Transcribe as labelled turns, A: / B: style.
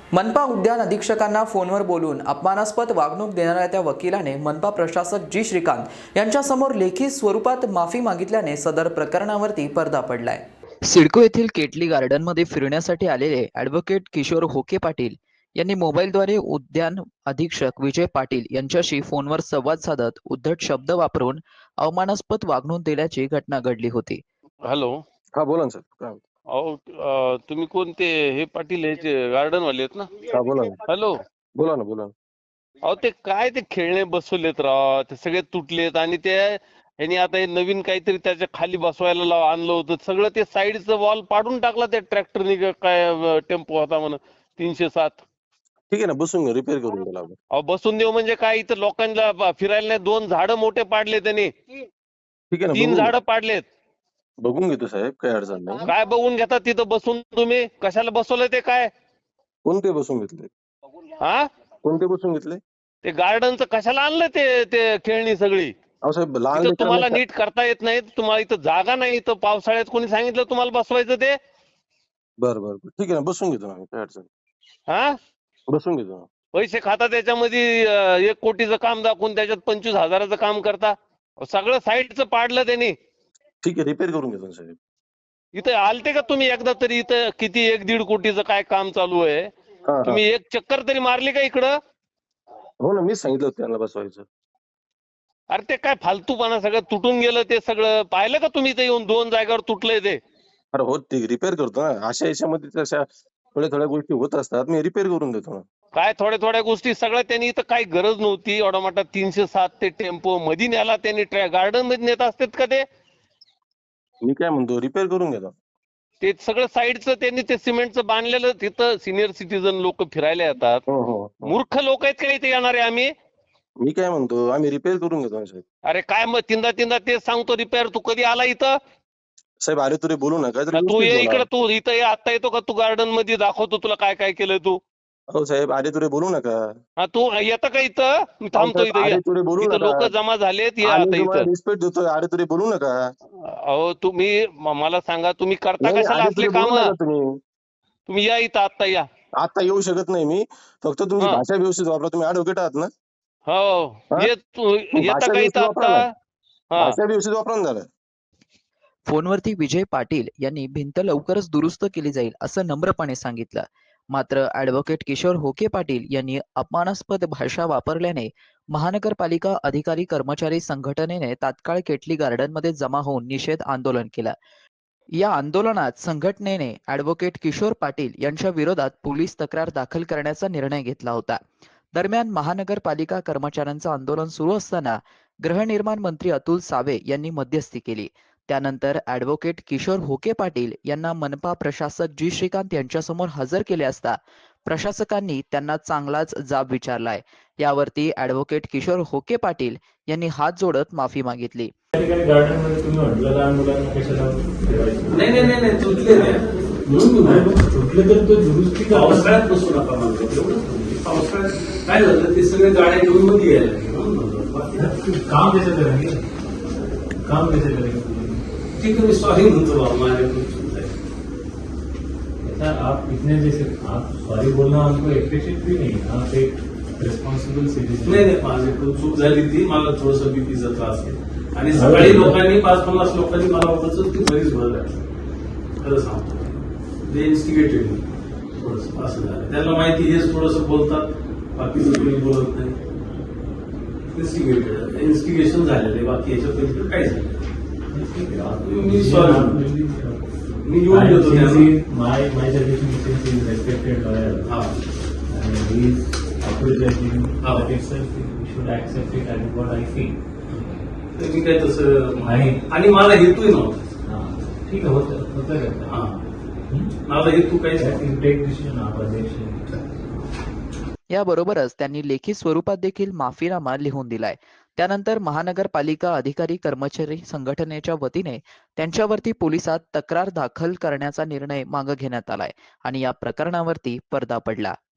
A: मनपा उद्यान अधीक्षकांना फोनवर बोलून अपमानास्पद वागणूक देणाऱ्या त्या वकिलाने मनपा प्रशासक जी श्रीकांत यांच्यासमोर लेखी स्वरूपात माफी मागितल्याने सदर प्रकरणावरती पडदा पडलाय। सिडको येथील केटली गार्डनमध्ये फिरण्यासाठी आलेले ॲडव्होकेट किशोर होके पाटील यांनी मोबाईलद्वारे उद्यान अधीक्षक विजय पाटील यांच्याशी फोनवर संवाद साधत उद्धट शब्द वापरून अवमानास्पद वागणूक दिल्याची घटना घडली होती।
B: हॅलो.
C: हा बोला ना सर, काय म्हणता?
B: अहो तुम्ही कोणते हे पाटील ह्याचे गार्डन वाले आहेत ना?
C: हा बोला ना,
B: हॅलो.
C: बोला ना, बोला ना.
B: अहो ते काय ते खेळणे बसवलेत राव, ते सगळे तुटलेत आणि ते ह्यांनी आता हे नवीन काहीतरी त्याच्या खाली बसवायला आणलं होतं, सगळं ते साईडचं वॉल पाडून टाकला त्या ट्रॅक्टरने, काय टेम्पो होता म्हणून 307.
C: ठीक आहे ना, बसून रिपेअर करून द्यायला आपण.
B: अहो बसून देऊ म्हणजे काय, इथं लोकांना फिरायला नाही, 2 झाडं मोठे पाडले त्यांनी,
C: ठीक आहे ना,
B: 3 झाडं पाडलेत.
C: बघून घेतो साहेब, काही अडचण नाही.
B: काय बघून घेता तिथं बसून तुम्ही? कशाला बसवलंय ते काय?
C: कोणते बसून घेतले?
B: हा,
C: कोणते बसून घेतले?
B: ते गार्डनचं कशाला आणलं ते खेळणी सगळी?
C: अहो साहेब, लहान
B: इथं तुम्हाला
C: लेकरांना
B: नीट करता येत नाही, तुम्हाला इथं जागा नाही, इथं पावसाळ्यात कोणी सांगितलं तुम्हाला बसवायचं ते?
C: बरं बरं बरं, ठीक आहे ना, बसून घेतो ना, काही अडचण नाही.
B: हा,
C: बसून घेतो ना.
B: पैसे खाता त्याच्यामध्ये 1 कोटीचं काम दाखवून त्याच्यात 25,000चं काम करता. सगळं साईडचं पाडलं त्यांनी.
C: ठीक आहे, रिपेअर करून घेतो ना साहेब.
B: इथं आलते का तुम्ही एकदा तरी? इथं किती 1-1.5 कोटीचं काय काम चालू आहे,
C: हा हा,
B: तुम्ही एक चक्कर तरी मारली का इकडं?
C: हो ना, मीच सांगितलं होतं त्यांना बसवायचं.
B: अरे ते काय फालतूपणा, सगळं तुटून गेलं ते सगळं. पाहिलं का तुम्ही? ते येऊन 2 जागेवर तुटलंय ते.
C: अरे हो, ते रिपेअर करतो ना, अशा याच्यामध्ये तशा थोड्या थोड्या गोष्टी होत असतात, मी रिपेअर करून देतो ना.
B: काय थोड्या गोष्टी सगळ्या त्यांनी, इथं काही गरज नव्हती. एवढा मोठा 307 ते टेम्पो मध्ये न्याला त्यांनी, गार्डन मध्ये नेत असतात का ते?
C: मी काय म्हणतो, रिपेअर करून घेतो.
B: ते सगळं साईडचं त्यांनी ते सिमेंटचं बांधलेलं, तिथं सिनियर सिटीजन लोक फिरायला येतात.
C: हो हो हो.
B: मूर्ख लोक आहेत का इथे येणारे आम्ही?
C: मी काय म्हणतो, आम्ही रिपेअर करून घेतो ना साहेब.
B: अरे काय मग तीनदा तेच सांगतो रिपेअर. तू कधी आला इथं?
C: साहेब आले तुरे बोलू नका,
B: तू
C: व्यवस्थित
B: ये
C: बोला.
B: इकडे, तू इथं ये, आता येतो का? तू गार्डन मध्ये दाखवतो तुला काय काय केलंय तू.
C: हो साहेब, आले तुरे बोलू नका.
B: हा, तू येतं का इथं? मी थांबतो इथं.
C: आले तुरे बोलू
B: इथं
C: नका.
B: लोक जमा झालेत, ये
C: आम्ही
B: आता
C: तुम्हाला
B: इथं.
C: रिस्पेक्ट देतोय, आले तुरे बोलू नका.
B: अहो तुम्ही मला सांगा, तुम्ही करता
C: नाही,
B: कशाला
C: आले
B: असले
C: तुरे
B: काम?
C: बोलू नका तुम्ही.
B: तुम्ही या इथं, आता या.
C: आता येऊ शकत नाही मी, फक्त तुमची
B: हा.
C: भाषा व्यवस्थित वापरा. तुम्ही ॲडव्होकेट आहात ना?
B: हो,
C: हा?
B: ये तू,
C: मग
B: येता
C: भाषा
B: का
C: व्यवस्थित
B: इथं
C: वापरा
B: आता?
C: ना.
B: हा.
C: भाषा व्यवस्थित वापरा ना जरा.
A: फोनवरती विजय पाटील यांनी भिंत लवकरच दुरुस्त केली जाईल असं नम्रपणे सांगितलं। मात्र ॲडव्होकेट किशोर होके पाटील यांनी अपमानास्पद भाषा वापरल्याने महानगरपालिका अधिकारी कर्मचारी संघटनेने तात्काळ केटली गार्डनमध्ये जमा होऊन निषेध आंदोलन केलं। या आंदोलनात संघटनेने ॲडव्होकेट किशोर पाटील यांच्या विरोधात पोलीस तक्रार दाखल करण्याचा निर्णय घेतला होता। दरम्यान महानगरपालिका कर्मचाऱ्यांचं आंदोलन सुरू असताना गृहनिर्माण मंत्री अतुल सावे यांनी मध्यस्थी केली। त्यानंतर ॲडव्होकेट किशोर होके पाटील यांना मनपा प्रशासक जी श्रीकांत यांच्यासमोर हजर केले असता प्रशासकांनी त्यांना चांगलाच जाब विचारलाय। यावरती ॲडव्होकेट किशोर होके पाटील यांनी हात जोडत माफी मागितली।
D: गार्डन मध्ये तुम्ही म्हटलं लहान मुलांना कशाला ठेवायचं?
E: नाही तुटले
D: तुटले तर तो दुरुस्ती
E: पावसाळ्यात बसू नका म्हणतो. एवढंच पावसाळ्यात काय झालं, ते सगळे गाड्या घेऊन मध्ये यायला.
D: काम कैसे करेंगे? काम कैसे करेंगे?
E: ठीक है, मी सॉरी म्हणतो बाबा, माझ्याकडून चूक आहे.
D: ऐसा आप इतने जैसे आप सॉरी बोलना हमको अप्रिशिएट भी नहीं। आप एक रिस्पॉन्सिबल सिटीजन।
E: नाही माझ्याकडून चूक झाली ती. मला थोडंसं बीपीचा त्रास आहे आणि सकाळी लोकांनी 5-50 लोकांनी मला वाटत ती बरीच भर आहे. खरं सांगतो, ते इन्स्टिगेटेड थोडंसं असं झालं. त्यांना माहिती हेच थोडंसं बोलतात, बाकीचं कोणी बोलत नाही. इन्स्टिगेशन झालेलं आहे, बाकी याच्या पलीकडे काहीच नाही. मी सॉरी, मी येऊन देतो त्यांना.
D: My suggestion is since he is respected lawyer
E: हा
D: and he is apologizing
E: Oh.
D: that itself we should accept it as what I feel.
E: तर मी काय तसं
D: आणि-
E: आणि मला हेतूही नव्हता.
D: हाँ, ठीक है, होता रहता
E: हा
D: है।
E: माझा हेतू काहीच
D: That
E: नव्हता.
D: is take decision आप अध्यक्ष।
A: याबरोबरच त्यांनी लेखी स्वरूपात देखील माफीनामा लिहून दिलाय। त्यानंतर महानगरपालिका अधिकारी कर्मचारी संघटनेच्या वतीने त्यांच्यावरती पोलिसात तक्रार दाखल करण्याचा निर्णय मागे घेण्यात आलाय आणि या प्रकरणावरती पडदा पडला।